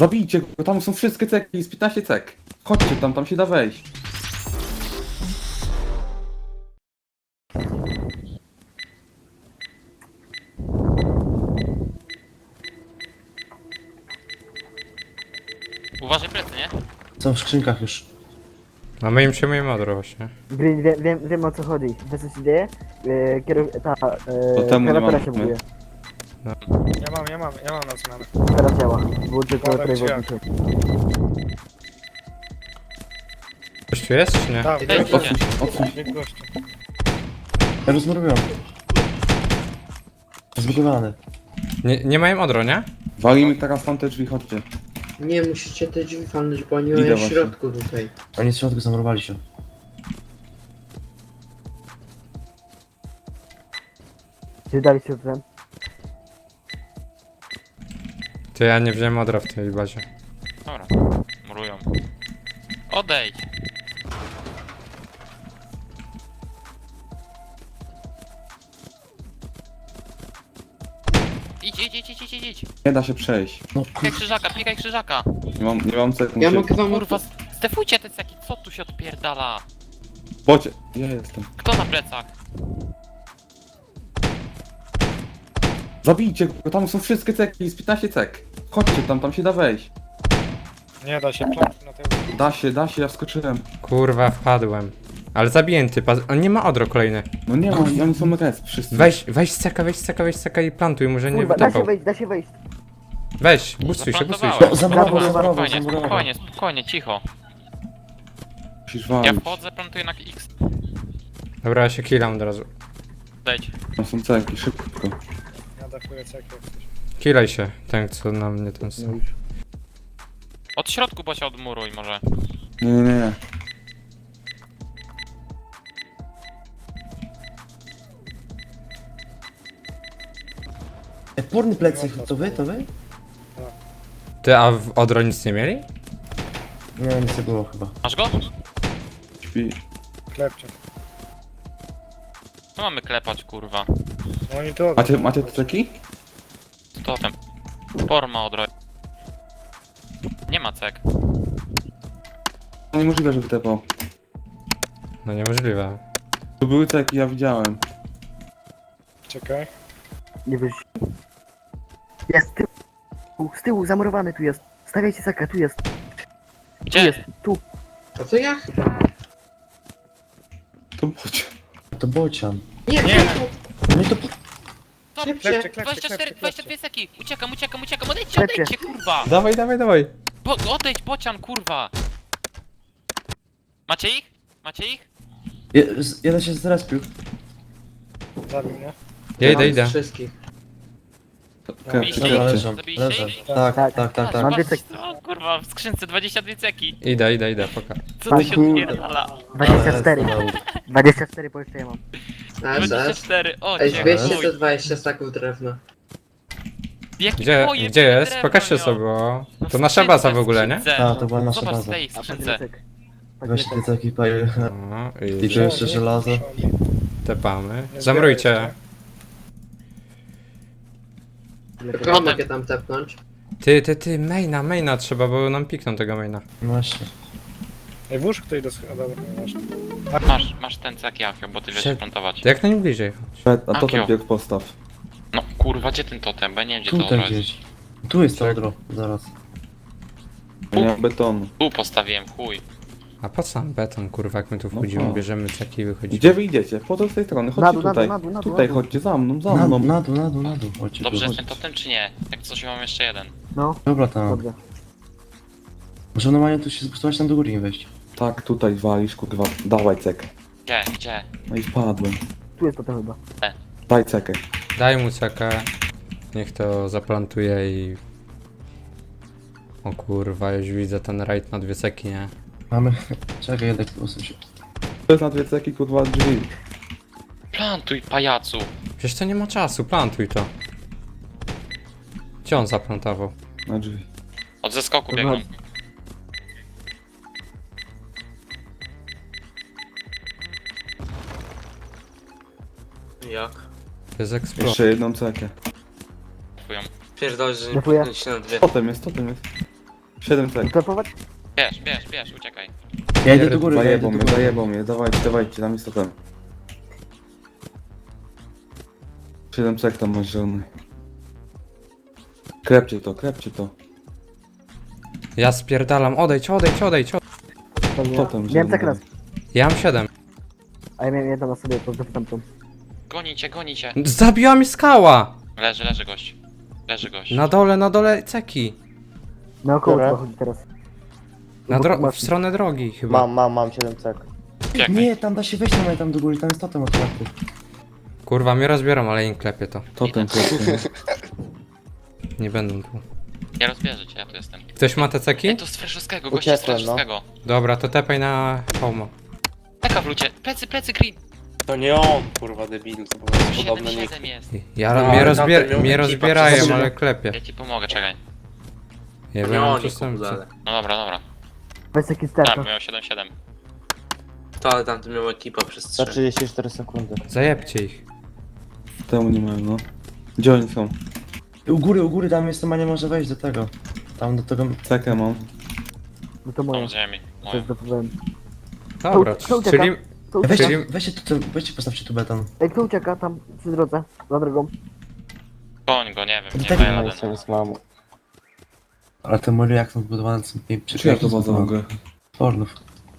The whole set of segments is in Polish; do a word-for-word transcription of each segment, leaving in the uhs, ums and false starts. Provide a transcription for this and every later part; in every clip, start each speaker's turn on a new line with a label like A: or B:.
A: Zabijcie go, tam są wszystkie ceki, jest piętnaście cek. Chodźcie tam, tam się da wejść.
B: Uważaj plecy, nie?
C: Są w skrzynkach już.
D: No my im przyjmujemy odro właśnie.
E: Green, wiem, wiem, wiem o co chodzi. Wiesz co się dzieje? Yy, kierow... ta...
A: To
E: Yy,
A: temu nie
E: klawiatura
A: mam,
E: się
A: my.
E: buguje.
F: Ja mam, ja mam, ja mam na zmianę.
E: Teraz działa. Był tylko
F: Dobra,
E: trójwodniczy.
D: Coś tu jest, czy nie?
F: Tak,
B: Ej,
F: bieg
A: Odsuń się, odsuń się.
F: bieg gościu.
C: Ja rozmówiłem. Zbudowany.
D: Nie, nie mają odro, nie?
A: Walimy teraz tam te drzwi, chodźcie.
G: Nie, musicie te drzwi walnąć, bo oni
A: Idę
G: mają w
A: właśnie.
G: środku tutaj.
C: Oni w środku zamurowali się.
E: Czy dali się ten?
D: To ja nie wziąłem odra w tej bazie.
B: Dobra, murują. Odejdź! Idź, idź, idź, idź, idź, idź!
A: Nie da się przejść.
C: No
B: Pikaj krzyżaka, pikaj krzyżaka!
A: Nie mam, nie mam cek.
G: Ja
A: muszę-
G: mogę wam...
B: Kurwa, stefujcie te ceki, co tu się odpierdala?
A: Bocie, ja jestem.
B: Kto na plecach?
A: Zabijcie go, tam są wszystkie ceki, jest piętnaście cek. Chodźcie tam, tam się da wejść.
F: Nie da się, plantuj na tył.
A: Da się, da się, ja wskoczyłem.
D: Kurwa, wpadłem. Ale zabiję typa, on nie ma odro kolejny.
A: No nie ma, oni są res, wszyscy.
D: Weź, weź seka, weź seka, weź seka i plantuj, może nie
E: Kurwa, da się
D: wytapał.
E: wejść, da się wejść.
D: Weź, bustuj się, bustuj się.
B: Zaplantowałem.
C: No, zabrało,
B: Spokojnie,
C: zabrało,
B: spokojnie,
C: zabrało.
B: spokojnie, spokojnie, cicho.
A: Musisz
B: Ja
A: walić.
B: wchodzę, plantuję na X.
D: Dobra, ja się killam od razu.
B: Odejdź.
A: Tam są ceki, szybko.
F: Ja dachuję ceki jak coś.
D: Kilaj się, ten co na mnie ten sam.
B: Od środku, bo się odmuruj może.
A: Nie, nie, nie.
C: E, porny plecy, to wy, to wy?
D: Ty, a w odro nic nie mieli?
C: Nie, nic nie było chyba.
B: Masz go?
A: Śpi.
F: Klepcie.
B: No mamy klepać, kurwa.
F: No oni to...
A: Macie, macie te ceki?
B: Totem. Forma odroj. Nie ma cek.
A: No niemożliwe, żeby tepał.
D: No niemożliwe.
A: Tu były ceki, ja widziałem.
F: Czekaj.
E: Nie wyjść. Jest, z tyłu, z tyłu, zamurowany tu jest. Stawiajcie sakę, tu jest. Tu
B: Gdzie?
E: jest, tu.
G: A to ja chyba...
A: To bocie.
C: To bocian.
G: Nie,
F: Nie.
G: nie.
C: No i to...
B: Stop!
G: Klepcie.
F: Klepcie, klepcie,
B: dwadzieścia cztery,
F: klepcie,
B: dwadzieścia
F: klepcie.
B: dwie seki! Uciekam, uciekam, uciekam! Odejdźcie,
E: Klepcie.
B: odejdźcie, kurwa!
D: Dawaj, dawaj, dawaj.
B: Bo, odejdź, bocian, kurwa! Macie ich? Macie ich?
C: Je, z- jeden się zrespił.
F: Zabił mnie.
D: Ja idę,
G: Mam
D: idę.
G: z wszystkich.
B: Biliście
C: Dobra,
B: ich?
C: leżą,
B: Zabiliście
C: leżą.
B: ich?
C: Tak, tak,
E: Tak.
C: tak, tak.
E: Mam
B: Patrz,
E: dwie ceki.
B: o, kurwa, w skrzynce dwadzieścia dwie ceki!
D: Idę, idę, idę, poka.
B: Co tu się
C: kurde.
B: odpierdala?
E: dwadzieścia cztery. dwadzieścia cztery po jeszcze ja mam.
G: A,
B: dwadzieścia
G: zaraz.
B: cztery, o
G: Ej,
B: cię
G: dwieście
B: chuj.
G: to dwadzieścia staków drewna.
B: Jaki
D: Gdzie,
B: pojeb
D: gdzie jest?
B: drewno
D: Pokażcie
B: miał.
D: sobie, bo...
B: No
D: To
B: w
D: nasza
B: skrzynce,
D: baza w
B: w
D: ogóle, nie?
B: skrzynce.
C: Tak, to była nasza
B: Zobacz w
C: baza.
B: tej
E: A patrz
B: skrzynce.
E: ile cek.
C: Weź te ceki, paje.
D: No,
C: I
D: i
C: tu jeszcze żelazo.
D: tepamy.
F: Nie
D: Zamrujcie.
F: zbierajcie.
E: Ile
G: Tylko
E: cek.
B: Potem-
G: mogę tam tepnąć.
D: Ty, ty, ty, maina, maina trzeba, bo nam pikną tego maina.
C: No właśnie.
F: Ej, włóż ktoś do schody. Dobra, nieważne.
B: Masz, masz ten cek Jachio, bo ty wiesz
D: Przed-
B: plantować.
D: To jak najbliżej.
A: A to ten
B: Akio.
A: bieg postaw.
B: No kurwa, gdzie ten totem? Bo ja nie wiem gdzie to
C: Tutaj
B: odro jest.
C: gdzieś. Tu jest to odro, zaraz.
A: Ja nie mam betonu.
B: Tu postawiłem, chuj.
D: A po co nam beton, kurwa, jak my tu
A: No
D: wchodzimy,
A: po.
D: bierzemy ceki i wychodzimy.
A: Gdzie wy idziecie? Po to z tej strony,
E: Na
A: chodźcie
E: dół, na
A: tutaj.
E: dół, na dół, na dół,
A: Tutaj
E: na dół.
A: chodźcie za mną, za
C: Na,
A: mną.
C: na dół, na dół, na dół. Chodźcie,
B: Dobrze
C: tu,
B: jest
C: chodź.
B: ten totem czy nie? Jak coś mam jeszcze jeden.
E: No,
C: Dobra, tam.
E: dobrze.
C: Może normalnie tu się spustować tam do góry nie wejść.
A: Tak, tutaj walisz, kurwa. Dawaj cekę.
B: Gdzie? Gdzie?
A: No i wpadłem.
E: Tu jest to chyba.
A: Daj cekę.
D: Daj mu cekę. Niech to zaplantuje i... O kurwa, już widzę ten rajd na dwie ceki, nie?
C: Mamy... Czekaj, jednak usuń się.
A: To jest na dwie ceki, kurwa, drzwi.
B: Plantuj, pajacu!
D: Przecież to nie ma czasu, plantuj to. Gdzie on zaplantował?
A: Na drzwi.
B: Od zeskoku
E: Kurwa.
B: biegną.
G: Jak?
D: To jest eksplor.
A: Jeszcze jedną cekę.
B: Kupują.
G: Pierdol, że
E: Dziękuję.
G: nie się na dwie.
A: Totem jest, totem jest. siedem cek.
E: Klepować?
B: Bierz, bierz, bierz, uciekaj.
C: Ja idę do góry, ja idę
A: Zajebą
C: do
A: mnie,
C: góry.
A: zajebą mnie, dawajcie, dawajcie, tam jest to ten. siedem cek tam masz zielony. Krepcie to, krepcie to.
D: Ja spierdalam, odejdź, odejdź, odejdź, odejdź.
A: Co tam
E: Miałem
A: zielony?
E: tak raz.
D: Ja mam siedem.
E: A ja miałem jedną na sobie, to zapytam tą.
B: Gonicie, gonicie.
D: Zabiła mi skała!
B: Leży, leży gość. Leży gość.
D: Na dole, na dole ceki.
E: Na około
H: Które?
E: trzeba chodzić teraz.
D: Na
E: Obok
D: dro- w
E: maszyn.
D: stronę drogi chyba.
H: Mam, mam, mam siedem cek.
B: Uciekaj.
C: Nie, tam da się wejść normalnie tam do góry, tam jest totem otwarty.
D: Kurwa, mnie rozbieram, ale im klepię to.
A: To ten klepcie.
D: Nie będą tu.
B: Ja rozbierzę cię, ja tu jestem.
D: Ktoś ma te ceki?
B: Ej, to z Freszowskiego, goście z
H: Uciekłem, no.
B: Freszowskiego.
D: Dobra, to tepaj na homa.
B: Taka w lucie. Plecy, plecy, green.
I: To nie on, kurwa debil, to po prostu
B: siedem
I: podobny nick.
B: siedem jest.
D: Ja,
I: No,
D: mnie,
I: ale
D: rozbier-
I: tamten miał
D: mnie
I: ekipa,
D: rozbierają,
I: przecież-
D: ale klepię.
B: Ja ci pomogę, czekaj.
D: Ja
G: Nie
D: byłem
G: oni
D: przestępcy.
G: kubudale.
B: No dobra, dobra.
E: Weź taki
B: Tak,
E: sterko.
B: miał siedem siedem.
G: To ale tam to miał ekipa przez
H: Za
G: trzy.
H: trzydzieści cztery sekundy.
D: Zajebcie ich.
A: Temu nie mają, no. Gdzie oni są?
C: U góry, u góry, tam jest, ma nie może wejść do tego. Tam do tego...
A: Cekę mam.
E: No to moje.
B: Mam z ziemi.
E: To
B: Moje.
E: jest zapowiem.
D: Dobra,
E: Kto ucieka?
D: czyli...
E: Kto ucieka?
C: Weźcie,
D: Czyli-
C: weźcie, tu, weźcie, postawcie tu beton.
E: Ej, kto ucieka tam przy drodze? Za drogą.
B: Koń go, nie wiem, nie
C: Tak,
B: daje
H: No
B: rady.
H: i sobie z mamu.
C: Ale te mury jak są zbudowane są pięknie.
A: Czy ja to wodę mogę?
C: Fornów.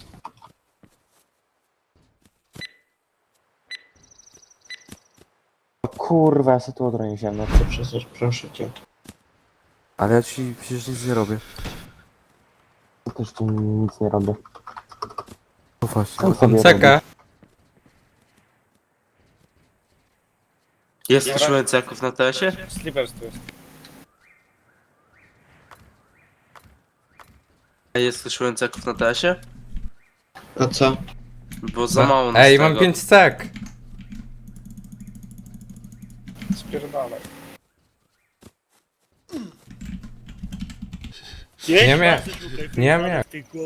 H: O kurwa, ja sobie tu odronię ziemię.
G: To przecież, proszę cię.
J: Ale ja ci przecież nic nie robię.
H: Też tu nic nie robię.
J: No właśnie.
H: Tam sobie
D: Cekę.
G: Jest słyszałem ceków na tesie?
F: Slippers tu jest.
G: Jest słyszałem ceków na tesie?
J: A co?
G: Bo za mało na
D: Ej, mam pięć cek.
F: Spierdalaj.
D: Nie mia... Nie mia...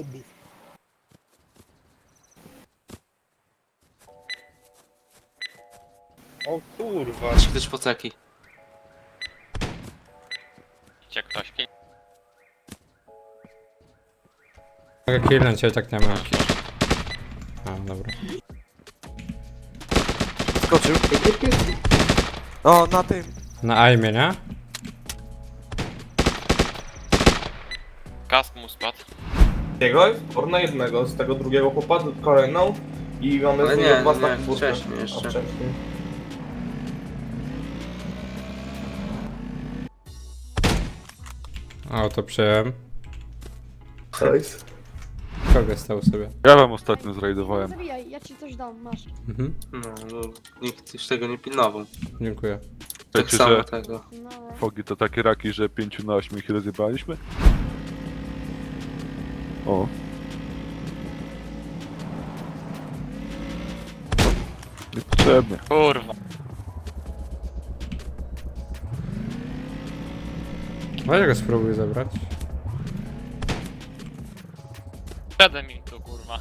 F: O kurwa.
G: Czy ktoś po ceki?
B: Idzie ktoś. Pi-
D: Mogę killnąć, ja i tak nie mam. A, dobra.
J: Skoczył. O, na tym.
D: Na aimie, nie?
B: Kask mu spadł.
K: Jego, or na jednego, z tego drugiego chłopa, kolejną i mamy
G: Ale
K: z
G: nie,
K: niego dwa
G: nie,
K: staki burty.
G: wcześniej jeszcze.
K: A, wcześniej.
D: O, to przyjąłem.
K: Nice.
D: Kogo stał sobie?
L: Ja wam ostatnio zrajdowałem.
M: Zabijaj, ja ci coś dam, masz.
D: Mhm,
G: No, bo nikt już tego nie pilnował.
D: dziękuję.
G: Tak
L: Wiecie,
G: samo
L: że
G: tego.
M: No,
L: fogi to takie raki, że pięciu na ośmiu ich rozjebaliśmy? O. Niepotrzebnie.
B: Kurwa.
D: Weź go spróbuj zabrać.
B: Przede mi tu, kurwa.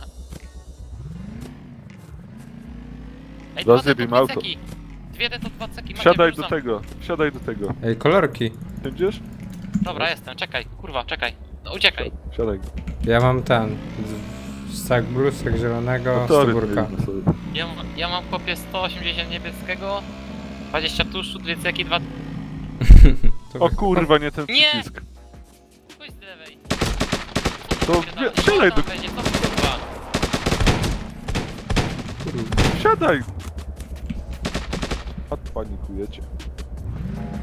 B: Ej, dwa
L: Rozjeb
B: D to
L: im
B: dwa
L: auto.
B: ceki. Dwie D to dwa ceki. Macie,
L: Wsiadaj do
B: wrzucam.
L: tego, wsiadaj do tego.
D: Ej, kolorki.
L: Będziesz?
B: Dobra, jestem, czekaj, kurwa, czekaj. No uciekaj.
L: Wsiadaj.
D: Ja mam ten. Stak blusek zielonego,
L: Motory
D: stówurka.
L: pojedźmy sobie.
B: Ja, mam- ja mam kopię sto osiemdziesiąt niebieskiego, dwadzieścia tuszu, dwie ceki, dwa...
L: O kurwa, nie ten
B: Nie!
L: przycisk.
B: Pójdź z lewej.
L: To
B: Siadaj,
L: wsi- wsiadaj do...
B: Będzie, co kurwa?
L: Wsiadaj! A panikujecie.